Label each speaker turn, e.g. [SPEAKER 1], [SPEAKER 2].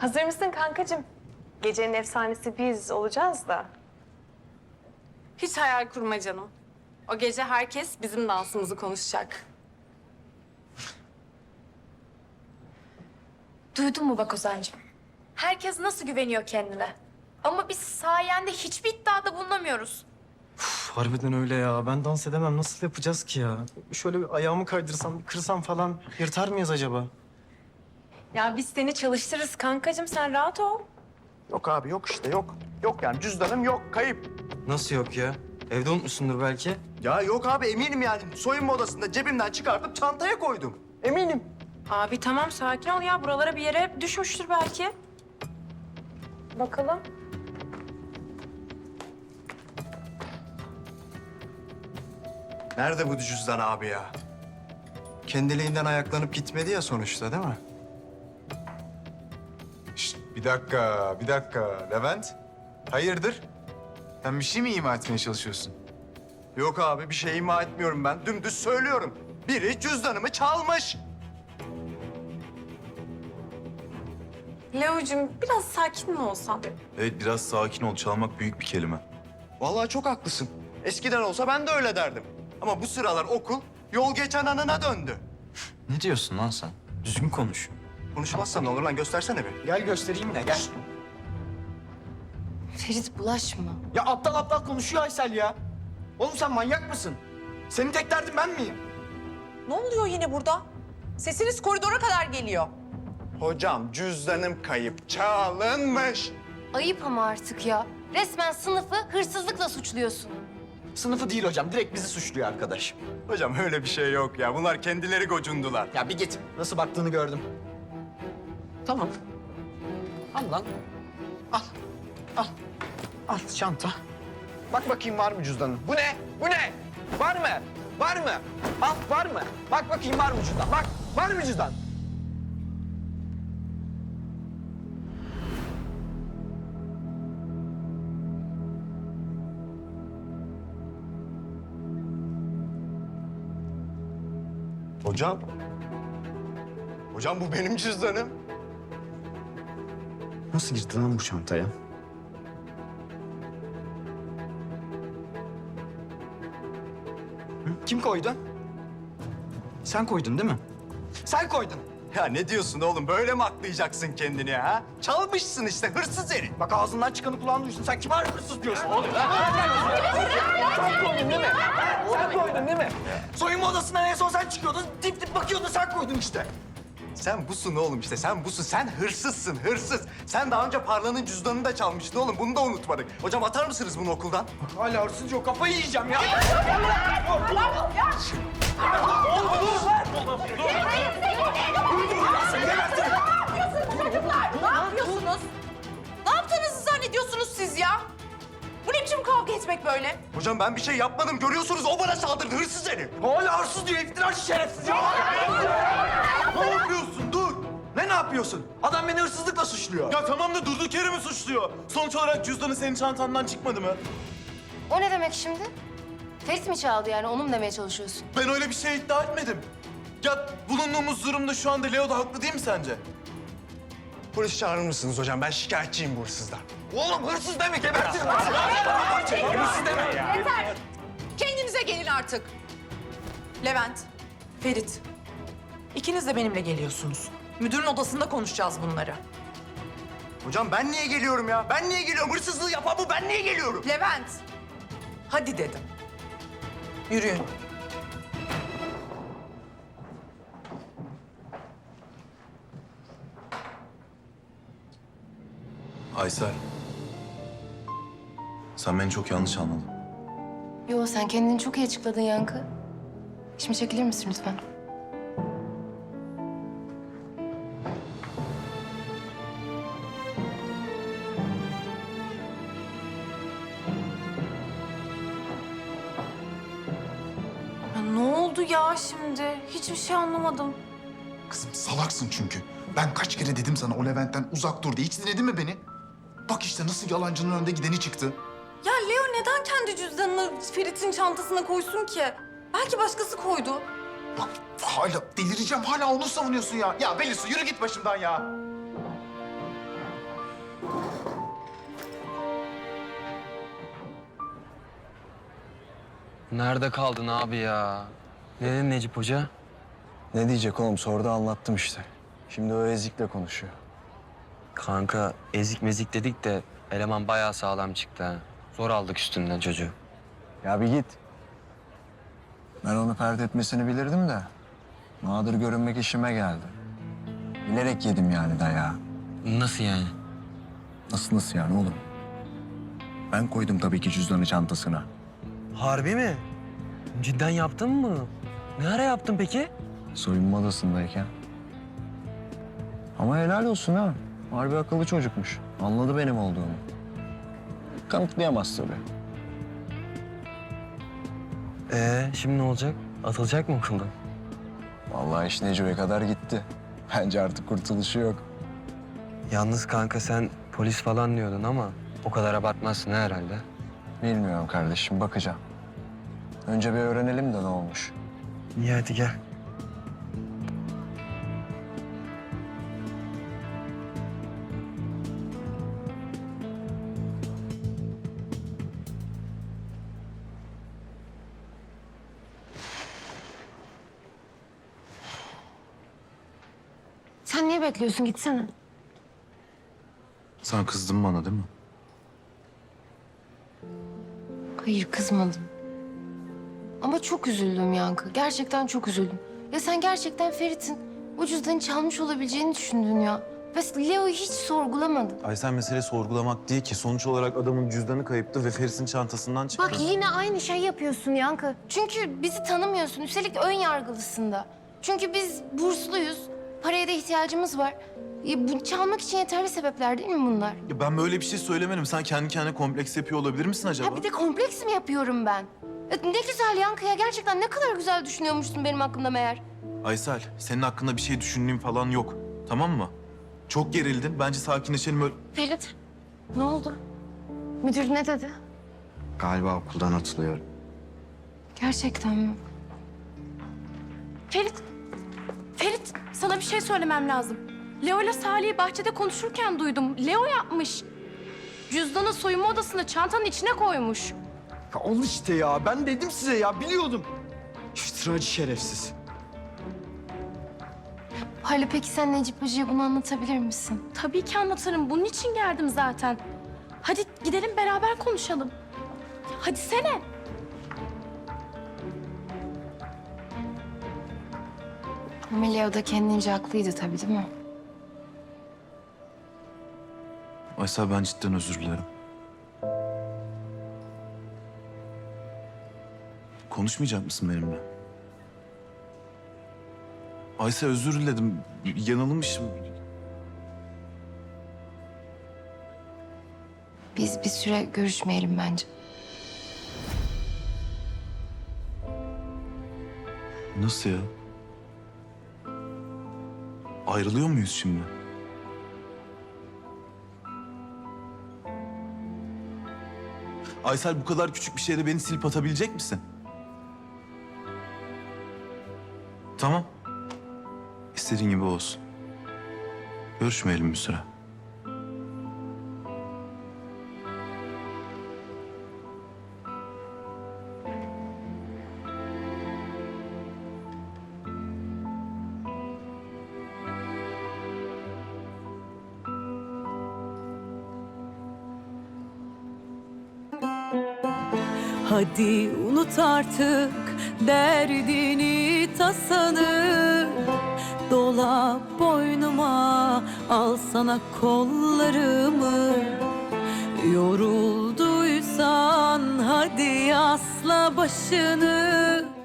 [SPEAKER 1] Hazır mısın kankacığım? Gecenin efsanesi biz olacağız da.
[SPEAKER 2] Hiç hayal kurma canım. O gece herkes bizim dansımızı konuşacak.
[SPEAKER 3] Duydun mu bak Ozan'cığım? Herkes nasıl güveniyor kendine. Ama biz sayende hiçbir iddiada bulunamıyoruz.
[SPEAKER 4] Harbiden öyle ya. Ben dans edemem. Nasıl yapacağız ki ya? Şöyle bir ayağımı kaydırsam, bir kırsam falan yırtar mıyız acaba?
[SPEAKER 1] Ya biz seni çalıştırırız kankacığım, sen rahat ol.
[SPEAKER 5] Yok abi yok işte yok. Yok yani cüzdanım yok kayıp.
[SPEAKER 4] Nasıl yok ya? Evde unutmuşsundur belki.
[SPEAKER 5] Ya yok abi eminim yani. Soyunma odasında cebimden çıkartıp çantaya koydum. Eminim.
[SPEAKER 1] Abi tamam sakin ol ya, buralara bir yere düşmüştür belki. Bakalım.
[SPEAKER 5] Nerede bu cüzdan abi ya? Kendiliğinden ayaklanıp gitmedi ya sonuçta değil mi?
[SPEAKER 6] Şişt, bir dakika, bir dakika. Levent, hayırdır? Sen bir şey mi ima etmeye çalışıyorsun?
[SPEAKER 5] Yok abi bir şey ima etmiyorum ben. Dümdüz söylüyorum. Biri cüzdanımı çalmış.
[SPEAKER 2] Leo'cum biraz sakin mi olsan?
[SPEAKER 6] Evet, biraz sakin ol. Çalmak büyük bir kelime.
[SPEAKER 5] Vallahi çok haklısın. Eskiden olsa ben de öyle derdim. Ama bu sıralar okul yol geçen anına döndü.
[SPEAKER 4] Ne diyorsun lan sen? Düzgün konuş.
[SPEAKER 5] Konuşmazsan ne olur lan göstersene bir.
[SPEAKER 4] Gel göstereyim de gel.
[SPEAKER 3] Ferit bulaşma.
[SPEAKER 7] Ya aptal aptal konuşuyor Aysel ya. Oğlum sen manyak mısın? Senin tek derdin ben miyim?
[SPEAKER 8] Ne oluyor yine burada? Sesiniz koridora kadar geliyor.
[SPEAKER 5] Hocam cüzdanım kayıp, çalınmış.
[SPEAKER 3] Ayıp ama artık ya. Resmen sınıfı hırsızlıkla suçluyorsun.
[SPEAKER 7] Sınıfı değil hocam, direkt bizi suçluyor arkadaş.
[SPEAKER 5] Hocam öyle bir şey yok ya. Bunlar kendileri gocundular.
[SPEAKER 7] Ya bir git, nasıl baktığını gördüm. Tamam. Al lan. Al. Al. Al çanta. Bak bakayım var mı cüzdanın? Bu ne? Bu ne? Var mı? Var mı? Al var mı? Bak bakayım var mı cüzdan? Bak var mı cüzdan?
[SPEAKER 5] Hocam. Hocam bu benim cüzdanım.
[SPEAKER 7] Nasıl girdin lan bu çantaya? Kim koydu? Sen koydun değil mi? Sen koydun.
[SPEAKER 5] Ya ne diyorsun oğlum? Böyle mi aklayacaksın kendini ha? Çalmışsın işte hırsız herif.
[SPEAKER 7] Bak ağzından çıkanı kulağın duysun. Sen kime hırsız diyorsun oğlum? Sen koydun değil mi? Sen koydun değil mi? Soyunma odasından en son sen çıkıyordun. Dip dip bakıyordun sen koydun işte.
[SPEAKER 5] Sen busun oğlum işte. Sen busun. Sen hırsızsın hırsız. Sen daha önce Parla'nın cüzdanını da çalmıştın oğlum. Bunu da unutmadık. Hocam atar mısınız bunu okuldan?
[SPEAKER 7] Hala hırsız yok. Kafayı yiyeceğim ya.
[SPEAKER 8] Ne yapıyorsunuz? Ne yaptığınızı zannediyorsunuz siz ya? Bu ne biçim kavga etmek böyle?
[SPEAKER 5] Hocam ben bir şey yapmadım. Görüyorsunuz o bana saldırdı. Hırsız herif.
[SPEAKER 7] Hala hırsız diyor. İftiracı şerefsiz ya. Ne yapıyorsun? Dur. Ne yapıyorsun? Adam beni hırsızlıkla suçluyor.
[SPEAKER 9] Ya tamam da durduk yere mi suçluyor? Sonuç olarak cüzdanı senin çantandan çıkmadı mı?
[SPEAKER 3] O ne demek şimdi? Ferit mi çaldı yani, onu mu demeye çalışıyorsun?
[SPEAKER 9] Ben öyle bir şey iddia etmedim. Ya bulunduğumuz durumda şu anda Leo da haklı değil mi sence?
[SPEAKER 5] Polis çağırır mısınız hocam? Ben şikayetçiyim bu hırsızdan.
[SPEAKER 7] Oğlum hırsız deme gebertirim. Hırsız deme ya.
[SPEAKER 8] Yeter! Kendinize gelin artık. Levent, Ferit. İkiniz de benimle geliyorsunuz. Müdürün odasında konuşacağız bunları.
[SPEAKER 5] Hocam ben niye geliyorum ya? Ben niye geliyorum? Hırsızlığı yapan bu. Ben niye geliyorum?
[SPEAKER 8] Levent, hadi dedim. Yürüyün.
[SPEAKER 6] Aysel. Sen beni çok yanlış anladın.
[SPEAKER 3] Yo, sen kendini çok iyi açıkladın Yankı. Şimdi çekilir misin lütfen?
[SPEAKER 2] Ya ne oldu ya şimdi? Hiçbir şey anlamadım.
[SPEAKER 6] Kızım salaksın çünkü. Ben kaç kere dedim sana o Levent'ten uzak dur diye. Hiç dinledin mi beni? Bak işte nasıl yalancının önde gideni çıktı.
[SPEAKER 2] Ya Leo neden kendi cüzdanını Ferit'in çantasına koysun ki? Belki başkası koydu.
[SPEAKER 6] Bak hala delireceğim. Hala onu savunuyorsun ya. Ya Belisu yürü git başımdan ya.
[SPEAKER 10] Nerede kaldın abi ya? Ne dedi Necip Hoca?
[SPEAKER 11] Ne diyecek oğlum? Sordu anlattım işte. Şimdi o ezikle konuşuyor.
[SPEAKER 10] Kanka ezik mezik dedik de eleman bayağı sağlam çıktı ha. Zor aldık üstünden çocuğu.
[SPEAKER 11] Ya bir git. Ben onu pert etmesini bilirdim de. Nadir görünmek işime geldi. Bilerek yedim yani dayağı.
[SPEAKER 10] Nasıl yani?
[SPEAKER 11] Nasıl yani oğlum? Ben koydum tabii ki cüzdanı çantasına.
[SPEAKER 10] Harbi mi? Cidden yaptın mı? Ne ara yaptın peki?
[SPEAKER 11] Soyunma odasındayken. Ama helal olsun ha. Harbi akıllı çocukmuş. Anladı benim olduğumu. Kanıtlayamaz tabii.
[SPEAKER 10] Şimdi ne olacak? Atılacak mı okuldan?
[SPEAKER 11] Vallahi iş Neco'ya kadar gitti. Bence artık kurtuluşu yok.
[SPEAKER 10] Yalnız kanka sen polis falan diyordun ama o kadar abartmazsın herhalde.
[SPEAKER 11] Bilmiyorum kardeşim, bakacağım. Önce bir öğrenelim de ne olmuş.
[SPEAKER 10] İyi hadi gel.
[SPEAKER 3] Sen niye bekliyorsun? Gitsene.
[SPEAKER 9] Sen kızdın bana değil mi?
[SPEAKER 3] Hayır, kızmadım. Ama çok üzüldüm Yankı. Gerçekten çok üzüldüm. Ya sen gerçekten Ferit'in o cüzdanı çalmış olabileceğini düşündün ya. Ve Leo'yu hiç sorgulamadın.
[SPEAKER 9] Aysel mesele sorgulamak değil ki. Sonuç olarak adamın cüzdanı kayıptı ve Feris'in çantasından çıktı.
[SPEAKER 3] Bak yine aynı şey yapıyorsun Yankı. Çünkü bizi tanımıyorsun. Üstelik ön yargılısın da. Çünkü biz bursluyuz. Paraya da ihtiyacımız var. Bu çalmak için yeterli sebepler değil mi bunlar?
[SPEAKER 9] Ya ben böyle bir şey söylemedim. Sen kendi kendine kompleks yapıyor olabilir misin acaba?
[SPEAKER 3] Ha bir de kompleks mi yapıyorum ben? Ne güzel Yankı ya. Gerçekten ne kadar güzel düşünüyormuşsun benim hakkımda meğer.
[SPEAKER 9] Aysel, senin hakkında bir şey düşündüğüm falan yok. Tamam mı? Çok gerildin. Bence sakinleşelim öyle.
[SPEAKER 3] Ferit, ne oldu? Müdür ne dedi?
[SPEAKER 11] Galiba okuldan atılıyorum.
[SPEAKER 3] Gerçekten mi?
[SPEAKER 2] Ferit, sana bir şey söylemem lazım. Leo ile Salih'i bahçede konuşurken duydum. Leo yapmış. Cüzdanı soyunma odasında çantanın içine koymuş.
[SPEAKER 7] Ya al işte ya. Ben dedim size ya. Biliyordum. İftiracı şerefsiz.
[SPEAKER 3] Hale peki sen Necip Hoca'ya bunu anlatabilir misin?
[SPEAKER 2] Tabii ki anlatırım. Bunun için geldim zaten. Hadi gidelim beraber konuşalım. Hadi sene.
[SPEAKER 3] Ama Leo da kendince haklıydı tabii değil mi?
[SPEAKER 9] Aysel, ben cidden özür dilerim. Konuşmayacak mısın benimle? Aysel, özür diledim. Yanılmışım.
[SPEAKER 3] Biz bir süre görüşmeyelim bence.
[SPEAKER 9] Nasıl ya? Ayrılıyor muyuz şimdi? Aysel, bu kadar küçük bir şeyde beni silip atabilecek misin? Tamam. İstediğin gibi olsun. Görüşmeyelim bir süre.
[SPEAKER 12] Hadi unut artık derdini tasanı. Dola boynuma, al sana kollarımı. Yorulduysan hadi asla başını.